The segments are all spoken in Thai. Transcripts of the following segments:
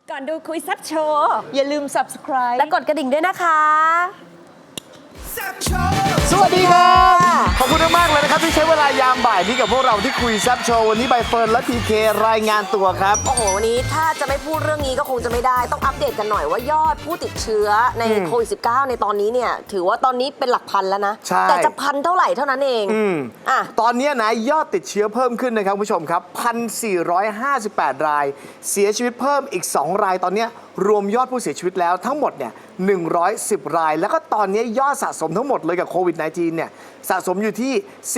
ก่อนดูคุยแซ่บโชว์อย่าลืม subscribe และกดกระดิ่งด้วยนะคะสวัสดีครับขอบคุณมากเลยนะครับที่ใช้เวลายามบ่ายนี้กับพวกเราที่คุยแซับโชว์วันนี้ใบเฟิร์นและพีเครายงานตัวครับโอ้โหวันนี้ถ้าจะไม่พูดเรื่องนี้ก็คงจะไม่ได้ต้องอัปเดตกันหน่อยว่ายอดผู้ติดเชื้อในโควิด -19 ในตอนนี้เนี่ยถือว่าตอนนี้เป็นหลักพันแล้วนะใช่แต่จะพันเท่าไหร่เท่านั้นเองอ่ะตอนนี้นะยอดติดเชื้อเพิ่มขึ้นนะครับคุณผู้ชมครับ 1,458 ราย เสียชีวิตเพิ่มอีก 2 รายตอนนี้รวมยอดผู้เสียชีวิตแล้วทั้งหมดเนี่ย110 ราย แล้วก็ตอนนี้ยอดสะสมทั้งหมดเลยกับโควิด -19 เนี่ยสะสมอยู่ที่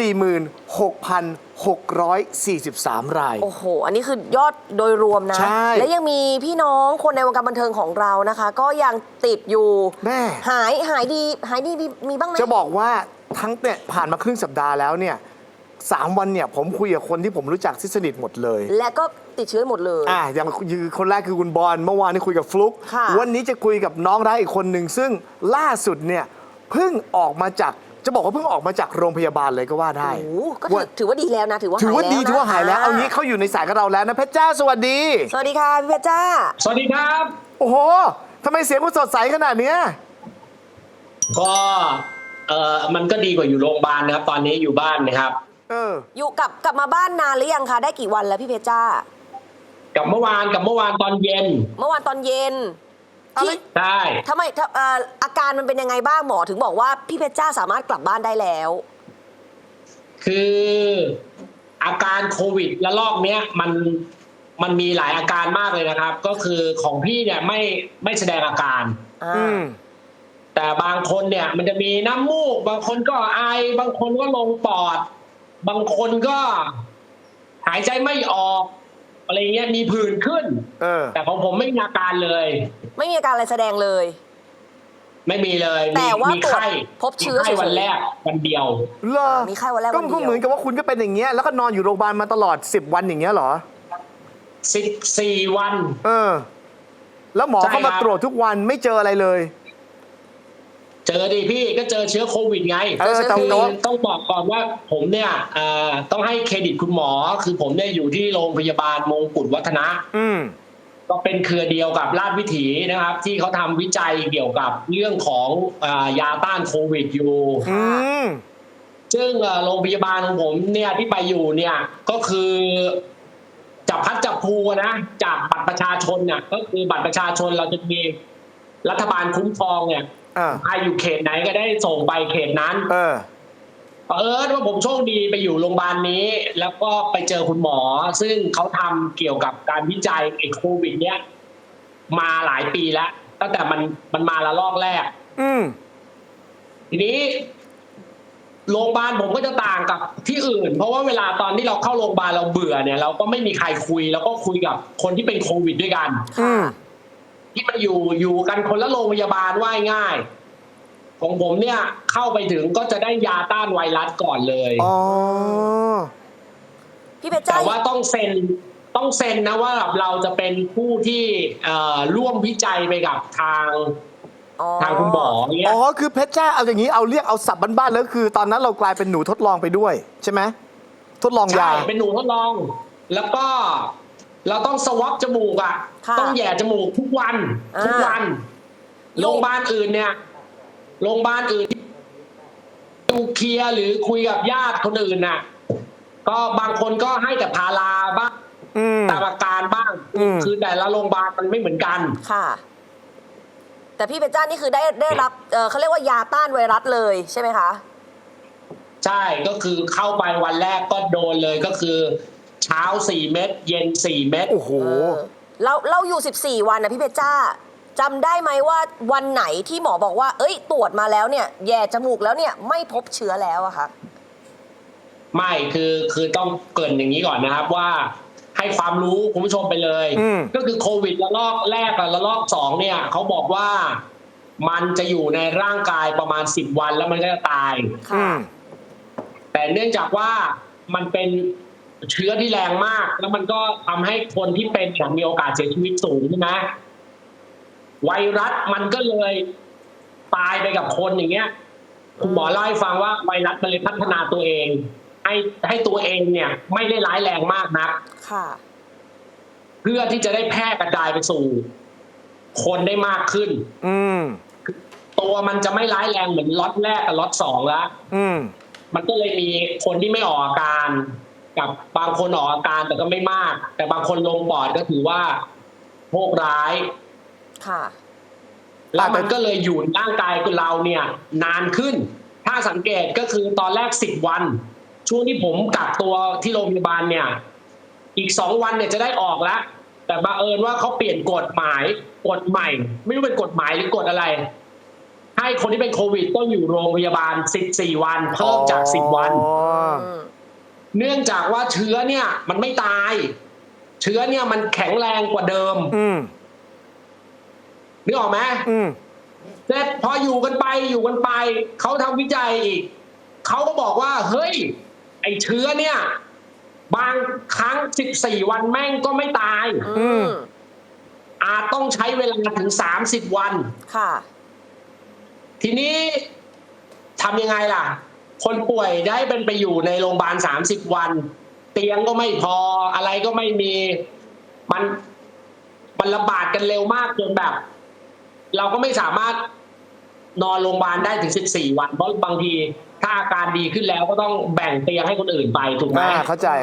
46,643 รายโอ้โห อันนี้คือยอดโดยรวมนะใช่และยังมีพี่น้องคนในวงการบันเทิงของเรานะคะ ก็ยังติดอยู่แม่หายดีมีบ้างไหมจะบอกว่าทั้งเนี่ยผ่านมาครึ่งสัปดาห์แล้วเนี่ย3 วันเนี่ยผมคุยกับคนที่ผมรู้จักที่สนิทหมดเลยและก็ติดเชื้อหมดเลยอย่างคนแรกคือคุณบอลเมื่อวานนี้คุยกับฟลุกค่ะวันนี้จะคุยกับน้องรักอีกคนหนึ่งซึ่งล่าสุดเนี่ยเพิ่งออกมาจากจะบอกว่าเพิ่งออกมาจากโรงพยาบาลเลยก็ว่าได้โอ้โหก็ถือว่าดีแล้วนะถือว่าถือว่าดีหายแล้วนะถือว่าหายแล้วเอางี้เขาอยู่ในสายกับเราแล้วนะเพชรจ้าสวัสดีสวัสดีค่ะพี่เพชรจ้าสวัสดีครับโอ้โหทำไมเสียงคุณสดใสขนาดเนี้ยก็มันก็ดีกว่าอยู่โรงพยาบาลนะครับ ตอนนี้อยู่บ้านนะครับอยู่กลับมาบ้านนานหรือยังคะได้กี่วันแล้วพี่เพชรจ้ากับเมื่อวานตอนเย็นเมื่อวานตอนเย็นที่ใช่ทำไมอาการมันเป็นยังไงบ้างหมอถึงบอกว่าพี่เพชรจ้าสามารถกลับบ้านได้แล้วคืออาการโควิดระลอกเนี้ยมันมีหลายอาการมากเลยนะครับ ก็คือของพี่เนี่ยไม่แสดงอาการ แต่บางคนเนี่ยมันจะมีน้ำมูกบางคนก็ไอบางคนก็ลงปอด บางคนก็หายใจไม่ออกอะไรเงี้ยมีผื่นขึ้นแต่ของผมไม่มีอาการเลยไม่มีอาการอะไรแสดงเลยไม่มีเลยแต่ว่ามีไข้พบเชื้อมีไข้วันแรกวันเดียวเหรอมีไข้วันแรกวันเดียวก็เหมือนกับว่าคุณก็เป็นอย่างเงี้ยแล้วก็นอนอยู่โรงพยาบาลมาตลอด10 วันอย่างเงี้ยเหรอ 14 วันแล้วหมอใช่เข้ามาครับตรวจทุกวันไม่เจออะไรเลยเจอดิพี่ก็เจอเชื้อโควิดไงแต่คือว่าต้องบอกก่อนว่าผมเนี่ยต้องให้เครดิตคุณหมอ คือผมเนี่ยอยู่ที่โรงพยาบาลมงกุฎวัฒนะก็เป็นเครือเดียวกับราชวิถีนะครับ ที่เขาทำวิจัยเกี่ยวกับเรื่องของยาต้านโควิดอยู่ซึ่งโรงพยาบาลของผมเนี่ยที่ไปอยู่เนี่ยก็คือจับพัดจับภูนะจากบัตรประชาชนเนี่ยก็คือบัตรประชาชนเราจะมีรัฐบาลคุ้มครองเนี่ยใครอยู่เขตไหนก็ได้ส่งไปเขตนั้นว่าผมโชคดีไปอยู่โรงพยาบาลนี้ แล้วก็ไปเจอคุณหมอ ซึ่งเขาทำเกี่ยวกับการวิจัยไอ้โควิดเนี้ยมาหลายปีแล้วตั้งแต่มันมาละลอกแรกทีนี้โรงพยาบาลผมก็จะต่างกับที่อื่น เพราะว่าเวลาตอนที่เราเข้าโรงพยาบาลเราเบื่อเนี่ยเราก็ไม่มีใครคุยแล้วก็คุยกับคนที่เป็นโควิดด้วยกันที่มันอยู่กันคนละโรงพยาบาลว่าง่ายของผมเนี่ยเข้าไปถึงก็จะได้ยาต้านไวรัสก่อนเลยพี่เพชรจ้าแต่ว่าต้องเซ็นนะว่าเราจะเป็นผู้ที่ร่วมวิจัยไปกับทางคุณหมอเนี่ยคือเพชรจ้าเอาอย่างนี้เอาเรียกเอาสับบ้านๆแล้วคือ ตอนนั้นเรากลายเป็นหนูทดลองไปด้วยใช่ไหมทดลองยาใช่เป็นหนูทดลอง แล้วก็เราต้องสวอปจมูกต้องแย่จมูกทุกวันโรงพยาบาลอื่นเนี่ยโรงพยาบาลอื่นดูเคลียร์หรือคุยกับญาติคนอื่นน่ะก็บางคนก็ให้แต่พาราบ้างตามอาการบ้างคือแต่ละโรงพยาบาลมันไม่เหมือนกันค่ะแต่พี่เพชรจ้านี่คือได้รับเขาเรียกว่ายาต้านไวรัสเลยใช่ไหมคะใช่ก็คือเข้าไปวันแรกก็โดนเลยก็คือเช้า4 เม็ดเย็น4 เม็ดโอ้โหเราอยู่14 วันนะพี่เพชรจ้าจำได้ไหมว่าวันไหนที่หมอบอกว่าเอ้ยตรวจมาแล้วเนี่ยแย่จมูกแล้วเนี่ยไม่พบเชื้อแล้วอะคะไม่คือต้องเกริ่นอย่างนี้ก่อนนะครับว่าให้ความรู้คุณผู้ชมไปเลยก็คือโควิดระลอกแรกกับระลอก2เนี่ยเขาบอกว่ามันจะอยู่ในร่างกายประมาณ10 วันแล้วมันก็จะตายแต่เนื่องจากว่ามันเป็นเชื้อที่แรงมากแล้วมันก็ทำให้คนที่เป็นมีโอกาสเสียชีวิตสูงใช่ไหมไวรัสมันก็เลยตายไปกับคนอย่างเงี้ยคุณหมอเล่าให้ฟังว่าไวรัสมันเลยพัฒนาตัวเองให้ตัวเองเนี่ยไม่ได้ร้ายแรงมากนักเพื่อที่จะได้แพร่กระจายไปสู่คนได้มากขึ้นอืมตัวมันจะไม่ร้ายแรงเหมือนล็อตแรกกับล็อตสองแล้วอืมมันก็เลยมีคนที่ไม่ออกอาการกับบางคนออกอาการแต่ก็ไม่มาก แต่บางคนลงปอดก็ถือว่าโชคร้ายค่ะแล้วมันก็เลยอยู่ในร่างกายเราเนี่ยนานขึ้น ถ้าสังเกตก็คือตอนแรก10 วัน ช่วงที่ผมกักตัวที่โรงพยาบาลเนี่ย อีก2 วันเนี่ยจะได้ออกแล้ว แต่บังเอิญว่าเขาเปลี่ยนกฎใหม่ ไม่รู้เป็นกฎหมายหรือกฎอะไร ให้คนที่เป็นโควิดต้องอยู่โรงพยาบาล14 วันเพิ่มจาก10 วันอ๋อเนื่องจากว่าเชื้อเนี่ยมันไม่ตาย เชื้อเนี่ยมันแข็งแรงกว่าเดิมอืมนึกออกไหมอืมเสร็จพออยู่กันไปเขาทำวิจัยอีกเขาก็บอกว่าเฮ้ยไอเชื้อเนี่ยบางครั้ง14 วันแม่งก็ไม่ตายอืมอาจต้องใช้เวลาถึง30 วันค่ะทีนี้ทำยังไงล่ะ คนป่วยได้เป็นไปอยู่ในโรงพยาบาล30 วัน เตียงก็ไม่พออะไรก็ไม่มีมันระบาดกันเร็วมากจนแบบ เราก็ไม่สามารถนอนโรงพยาบาลได้ถึง14 วันเพราะบางทีถ้าอาการดีขึ้นแล้วก็ต้องแบ่งเตียงให้คนอื่นไปถูกไหมเข้าใจ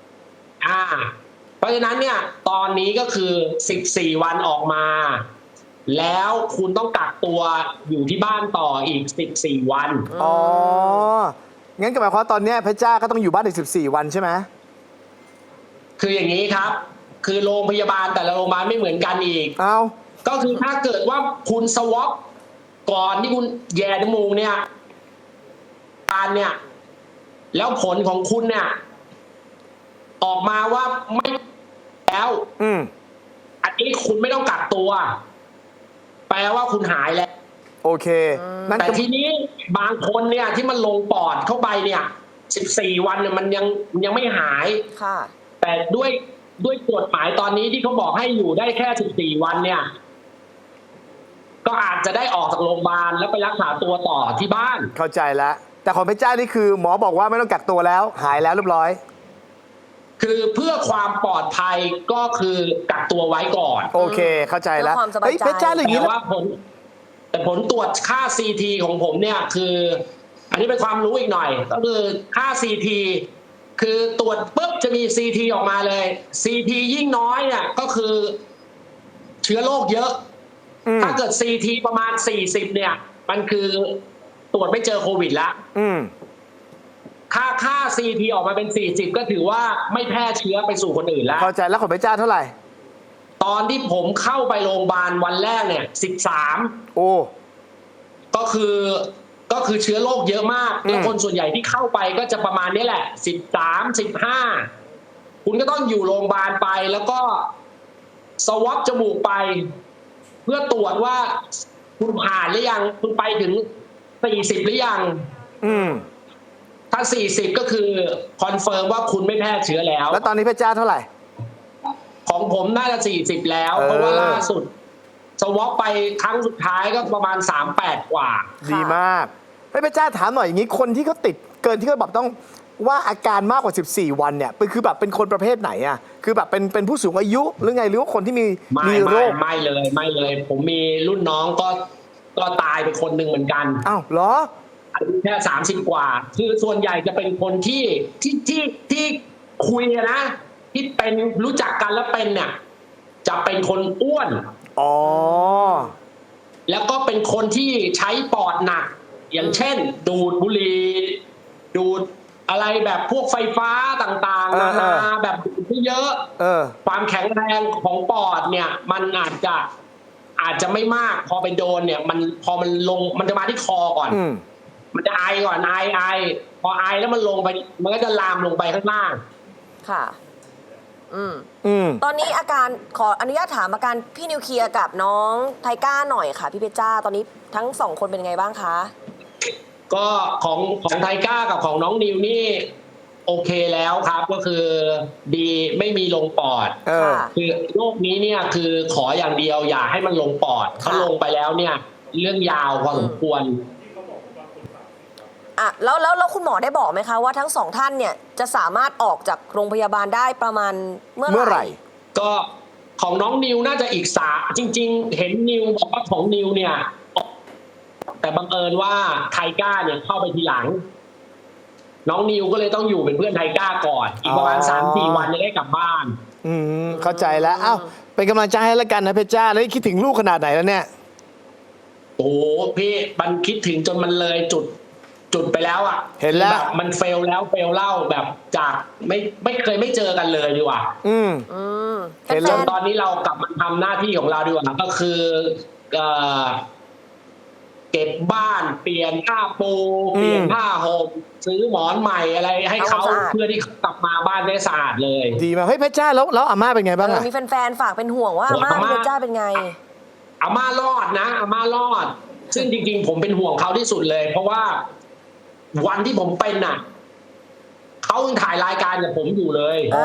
เพราะฉะนั้นเนี่ยตอนนี้ก็คือ14 วันออกมา แล้วคุณต้องกักตัวอยู่ที่บ้านต่ออีก14 วันอ๋อ งั้นก็หมายความว่าตอนเนี้ยเพชรจ้าก็ต้องอยู่บ้านอีก14 วันใช่ไหมคืออย่างนี้ครับ คือโรงพยาบาลแต่ละโรงพยาบาลไม่เหมือนกันอีกเอาก็คือถ้าเกิดว่าคุณสวอปก่อนที่คุณแย่จมูกเนี่ยการเนี่ย แล้วผลของคุณเนี่ย ออกมาว่าไม่แล้วอืมอันนี้คุณไม่ต้องกักตัว แปลว่าคุณหายแล้วโอเค นั่นแต่ก็ทีนี้บางคนเนี่ยที่มันลงปอดเข้าไปเนี่ย14 วันเนี่ยมันยังไม่หายค่ะแต่ด้วยกฎหมายตอนนี้ที่เขาบอกให้อยู่ได้แค่14 วันเนี่ย ก็อาจจะได้ออกจากโรงพยาบาลแล้วไปรักษาตัวต่อที่บ้านเข้าใจแล้ว แต่ของเพชรจ้านี่คือหมอบอกว่าไม่ต้องกักตัวแล้ว หายแล้วเรียบร้อยคือเพื่อความปลอดภัยก็คือกักตัวไว้ก่อนโอเค เข้าใจแล้วเพื่อความสบายใจเฮ้ยเพชรจ้าอย่างนี้แต่แล้วว่าผลตรวจค่า CT ของผมเนี่ยคือ อันนี้เป็นความรู้อีกหน่อย ก็คือค่า CT คือตรวจปุ๊บจะมี CT ออกมาเลย CT ยิ่งน้อยเนี่ยก็คือเชื้อโรคเยอะ ถ้าเกิด CT ประมาณ40เนี่ย มันคือตรวจไม่เจอโควิดแล้วอืมค่า CT ออกมาเป็น40ก็ถือว่าไม่แพร่เชื้อไปสู่คนอื่นแล้วเข้าใจแล้วของเพชรจ้าเท่าไหร่ตอนที่ผมเข้าไปโรงพยาบาลวันแรกเนี่ย13 โอ้ก็คือเชื้อโรคเยอะมากแล้วคนส่วนใหญ่ที่เข้าไปก็จะประมาณนี้แหละ13 15คุณก็ต้องอยู่โรงพยาบาลไปแล้วก็สวอปจมูกไป เพื่อตรวจว่าคุณผ่านหรือยังคุณไปถึง40หรือยังอืมถ้า40ก็คือคอนเฟิร์มว่าคุณไม่แพร่เชื้อแล้วแล้วตอนนี้เพชรจ้าเท่าไหร่ของผมน่าจะ40แล้วเออเพราะว่าล่าสุดสวอปไปครั้งสุดท้ายก็ประมาณ38 กว่าดีมากเฮ้ยเพชรจ้าถามหน่อยอย่างนี้คนที่เขาติดเกินที่เขาบอกต้องว่าอาการมากกว่า14 วันเนี่ยคือแบบเป็นคนประเภทไหนอ่ะคือแบบเป็นผู้สูงอายุหรือไงหรือว่าคนที่มีโรคไม่เลย ผมมีรุ่นน้องก็ตายไปคนหนึ่งเหมือนกันอ้าวเหรออายุแค่30 กว่า คือส่วนใหญ่จะเป็นคนที่คุยนะ ที่เป็นรู้จักกันแล้วเป็นเนี่ย จะเป็นคนอ้วนอ๋อแล้วก็เป็นคนที่ใช้ปอดหนัก อย่างเช่น ดูดบุหรี่ดูดอะไรแบบพวกไฟฟ้าต่างๆนานาแบบดูดเยอะ ความแข็งแรงของปอดเนี่ย มันอาจจะไม่มากพอไปโดนเนี่ยพอมันลงมันจะมาที่คอก่อน มันจะไอก่อนไอพอไอแล้วมันลงไปมันก็จะลามลงไปข้างล่างค่ะ ตอนนี้อาการขออนุญาตถามอาการพี่นิวเคลียร์กับน้องไทก้าหน่อยค่ะ พี่เพชรจ้าตอนนี้ทั้งสองคนเป็นไงบ้างคะก็ของไทก้ากับของน้องนิวนี่โอเคแล้วครับ ก็คือดีไม่มีลงปอดค่ะคือโรคนี้เนี่ยคือขออย่างเดียวอย่าให้มันลงปอดถ้าลงไปแล้วเนี่ยเรื่องยาวพอสมควรอ่ะแล้วคุณหมอได้บอกไหมคะว่าทั้งสองท่านเนี่ยจะสามารถออกจากโรงพยาบาลได้ประมาณเมื่อไหร่ก็ของน้องนิวน่าจะอีกจริง ๆ เห็นนิวบอกว่าของนิวเนี่ย แต่บังเอิญว่าไทก้าเนี่ยเข้าไปทีหลัง น้องนิวก็เลยต้องอยู่เป็นเพื่อนไทก้าก่อน อีกประมาณ 3-4 วันจะได้กลับบ้านเข้าใจแล้วเอ้าเป็นกำลังใจให้แล้วกันนะเพชรจ้าแล้วคิดถึงลูกขนาดไหนแล้วเนี่ยโอ้โหพี่มันคิดถึงจนมันเลยจุดไปแล้วอ่ะเห็นแล้วแบบมันเฟลแล้วเฟลเล่าแบบจากไม่เคยไม่เจอกันเลยดีกว่าเห็นจแล้วนตอนนี้เรากลับมาทำหน้าที่ของเราดีกว่าก็คือเก็บบ้านเปลี่ยนผ้าปูเปลี่ยนผ้าห่มซื้อหมอนใหม่อะไรให้เขาเพื่อที่เขากลับมาบ้านได้สะอาดเลยดีมากเฮ้ยเพชรจ้าแล้วอาม่าเป็นไงบ้างอะมีแฟนๆฝากเป็นห่วงว่าอาม่าพี่เพชรจ้าเป็นไงอาม่ารอดนะอาม่ารอด ซึ่งจริงๆผมเป็นห่วงเขาที่สุดเลย เพราะว่าวันที่ผมเป็นน่ะเขายังถ่ายรายการกับผมอยู่เลยอ๋อ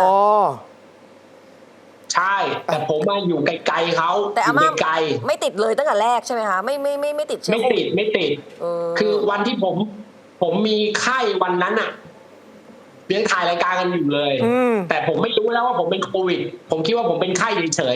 ใช่ แต่ผมมาอยู่ไกลๆเขาแต่อาม่ายู่ไกลไม่ติดเลยตั้งแต่แรกใช่ไหมคะไม่ติดเชื้อไม่โควิติดไม่ติด คือวันที่ผมมีไข้วันนั้นอ่ะยังถ่ายรายการกันอยู่เลย แต่ผมไม่รู้แล้วว่าผมเป็นโควิด ผมคิดว่าผมเป็นไข้เฉย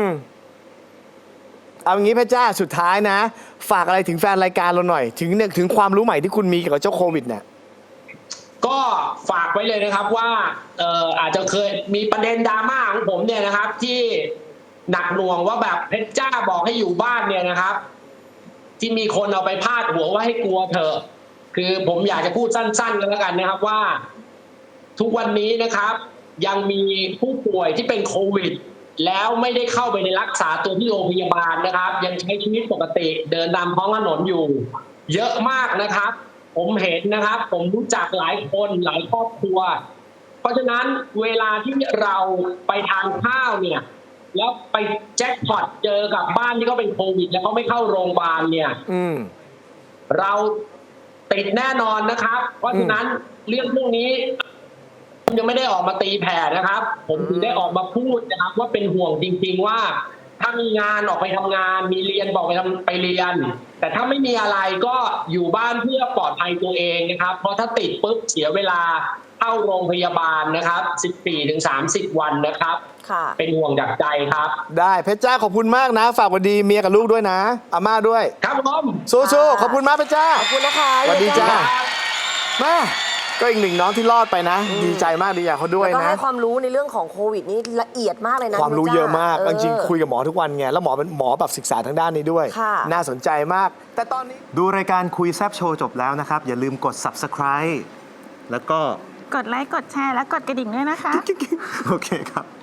ๆเอางี้เพชรจ้าสุดท้ายนะ ฝากอะไรถึงแฟนรายการเราหน่อย ถึงความรู้ใหม่ที่คุณมีเกี่ยวกับเจ้าโควิดเนี่ยก็ฝากไว้เลยนะครับว่าอาจจะเคยมีประเด็นดราม่าของผมเนี่ยนะครับ ที่หนักหน่วงว่าแบบเพชรจ้าบอกให้อยู่บ้านเนี่ยนะครับ ที่มีคนเอาไปพาดหัวว่าให้กลัวเถอะคือผมอยากจะพูดสั้นๆกันแล้วกันนะครับว่า ทุกวันนี้นะครับ ยังมีผู้ป่วยที่เป็นโควิด แล้วไม่ได้เข้าไปในรักษาตัวที่โรงพยาบาลนะครับ ยังใช้ชีวิตปกติเดินตามท้องถนนอยู่ เยอะมากนะครับ ผมเห็นนะครับ ผมรู้จักหลายคนหลายครอบครัว เพราะฉะนั้นเวลาที่เราไปทานข้าวเนี่ยแล้วไปแจ็คพอตเจอกับบ้านที่เขาเป็นโควิด แล้วเขาไม่เข้าโรงพยาบาลเนี่ยเราติดแน่นอนนะครับ เพราะฉะนั้นเรื่องพวกนี้ผมยังไม่ได้ออกมาตีแผ่นะครับ ผมถึงได้ออกมาพูดนะครับ ว่าเป็นห่วงจริงๆว่าถ้ามีงานออกไปทำงานมีเรียนบอกไปเรียน แต่ถ้าไม่มีอะไรก็อยู่บ้านเพื่อปลอดภัยตัวเองนะครับ เพราะถ้าติดปุ๊บเสียเวลาเข้าโรงพยาบาลนะครับ 14-30 วันนะครับค่ะเป็นห่วงจากใจครับได้เพชรจ้าขอบคุณมากนะ ฝากวันดีเมียกับลูกด้วยนะอาม่าด้วยครับผมสู้ๆขอบคุณมากเพชรจ้าขอบคุณนะคะสวัสดีจ้าพี่เพชรแม่ก็อีกหนึ่งน้องที่รอดไปนะ ดีใจมากดีอย่างเขาด้วยแล้วก็นะให้ความรู้ในเรื่องของโควิดนี่ละเอียดมากเลยนะความรู้พี่พชเยอะมากจ้จริงๆคุยกับหมอทุกวันไงแล้วหมอเป็นหมอแบบศึกษาทางด้านนี้ด้วยค่ะน่าสนใจมาก แต่ตอนนี้ดูรายการคุยแซบโชว์จบแล้วนะครับ อย่าลืมกด subscribe แล้วก็กดไลค์ กดแชร์ และกดกระดิ่งด้วยนะคะโอเคครับ